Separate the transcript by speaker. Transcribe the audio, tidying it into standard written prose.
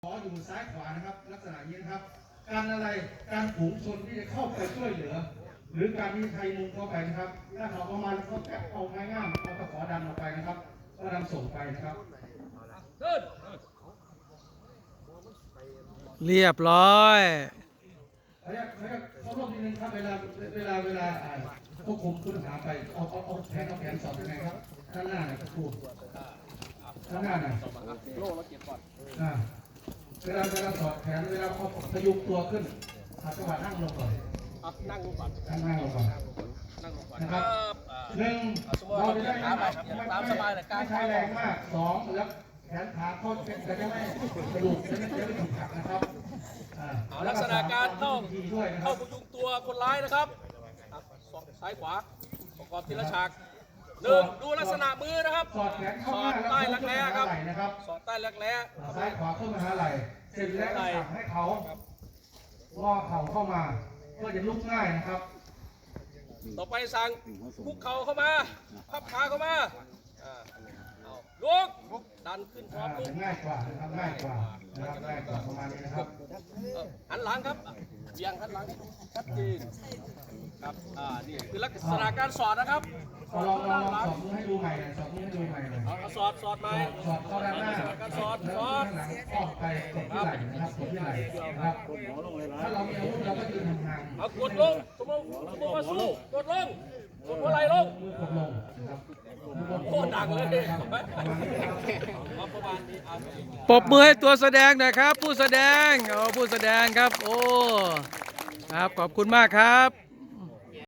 Speaker 1: ขออยู่ซ้ายขวานะครับลักษณะนี้นะครับการอะไรการฝูงชนที่จะเข้าไปช่วยเหลือหรือการที่ใครมุงเข้าไปนะครับถ้าเขาประมาณเขาแกะเอาง่ายๆเอาตะขอดันออกไปนะครับก็นำส่งไปนะครับ
Speaker 2: เรียบร้อย
Speaker 1: เขาลงนิดนึงครับเวลาควบคุมผู้ต้องหาไปเอาแผนสอบยังไงครับข้างหน้าหน่อยครูข้างหน้าหน่อยโล่แล้วเก็บก่อนเวลาสอบแผนเวลาเขาพยุงตัวขึ้นจังหวะนั่งลงก่อนนั่งลงก่อนนะครับหนึ่งเราจะได้ไม่ใช้แรงมากสองแล้วแขนขาเขาจะได้ไม่กระดูกจะไม่ถูกหักนะครับ
Speaker 3: ลักษณะการเข้าพยุงตัวคนร้ายนะครับซ้ายขวาประกอบทีละฉากหนึ่งดูลักษณะมือนะครับ
Speaker 1: สอดแขนเข้า
Speaker 3: สอดใต้รักแร้ครับสอดใต้รักแร้
Speaker 1: ซ้ายขวาเข้ามาหาไหล่เสร็จแล้วสั่งให้เขางอเข่าเข้ามาเพื่อจะลุกง่ายนะครับ
Speaker 3: ต่อไปสั่งคุกเข่าเข้ามาพับขาเข้ามาลุกดันขึ้นพร้อมลุก
Speaker 1: ง่ายกว่านะครับง่ายกว่าประมาณนี้นะครับ
Speaker 3: หันหลังครับเบี่ยงหันหลังชัดเจนครับนี่คือลักษณะการสอดนะครับ
Speaker 1: ลองสอดมือให้ดูใหม่สอดมือให้ดูใหม่เลย
Speaker 3: สอดไหม
Speaker 1: สอดเข้าด้านหน้า
Speaker 3: การสอด
Speaker 1: หลังออกไปกดที่ไหล่นะครับกดที่ไหล่นะครับถ้าเรามีอาวุธเราก็ยืนห่าง
Speaker 3: ๆเอากดลงสมมติว่าสู้กดลงกดหัวไหล่ลง
Speaker 1: กดลงนะครับ
Speaker 3: โคตรดังเลย
Speaker 2: ปรบมือให้ตัวแสดงหน่อยครับผู้แสดงครับโอ้ครับขอบคุณมากครับ